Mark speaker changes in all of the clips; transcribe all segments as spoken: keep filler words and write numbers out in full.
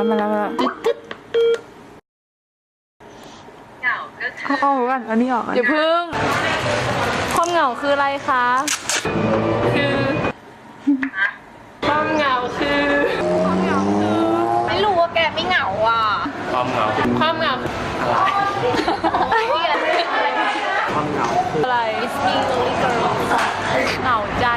Speaker 1: แล้วมาแล้วมาแล้วเอาเอากันอันนี้ออกอย่าพึ่งความเหงาคืออะไรคะคือความเหงาคือความเหงาคือไม่รู้ว่าแกไม่เหงาอ่ะ
Speaker 2: ความเหงา
Speaker 1: ความเหงาอะไร
Speaker 2: ความเหงาคือ
Speaker 1: อะไร เหงาใจ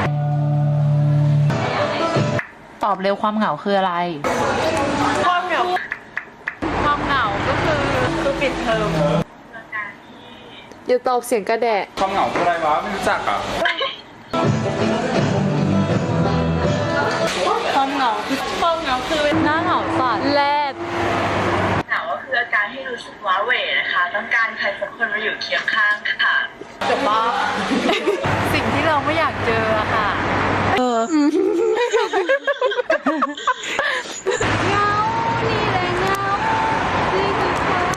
Speaker 3: ตอบเร็วความเหงาคืออะไร
Speaker 1: ความเหงาความเหงาก็คือคือปิดเทอมอย่าตอบเสียงกระแดะ
Speaker 2: ความเหงาคืออะไรวะไม่รู้จักอ่ะ
Speaker 1: ความเหงาคือความเหงาคือหน้าเหงาสัตว์แรด
Speaker 4: เหงาก็คืออาการที่รู้สึกว้าเหวนะคะต้องการใครสักคนมาอยู่เคียงข้างค่ะ
Speaker 1: จบปะสิ่งที่เราไม่อยากเจอค่ะเออเงานี่แหละเงานี่คือ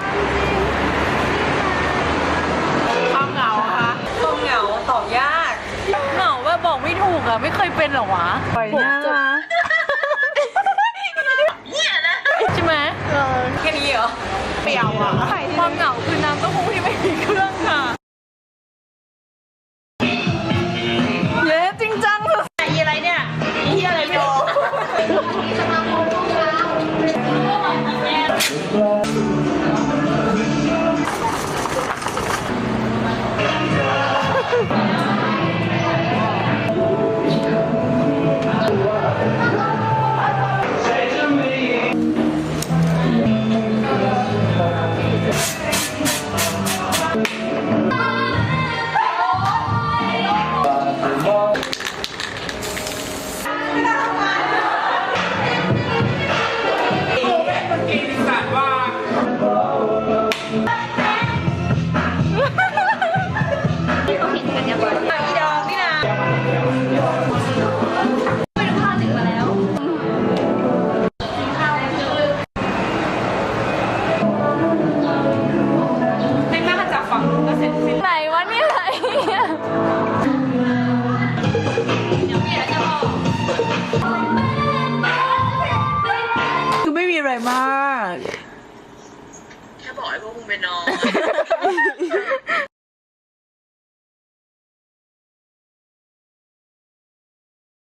Speaker 1: ความจริงความเหงาค่ะความเหงาตอบยากเหงาว่าบอกไม่ถูกอะไม่เคยเป็นหรอวะปล่อยหน้าใช่ไหมเออแค่นี้เหรอเปรี้ยวอะความเหงาคือน้ำเต้าหู้ที่ไม่มีเครื่องค่ะเย้จริงจังเลยไอ้อะไรเนี่ยไอ้อะไรไม่รู้ไหนวะเนี่ยไหนคือไม่มีอะไรมาก
Speaker 4: แค่บอกให้พวกมึงไปนอน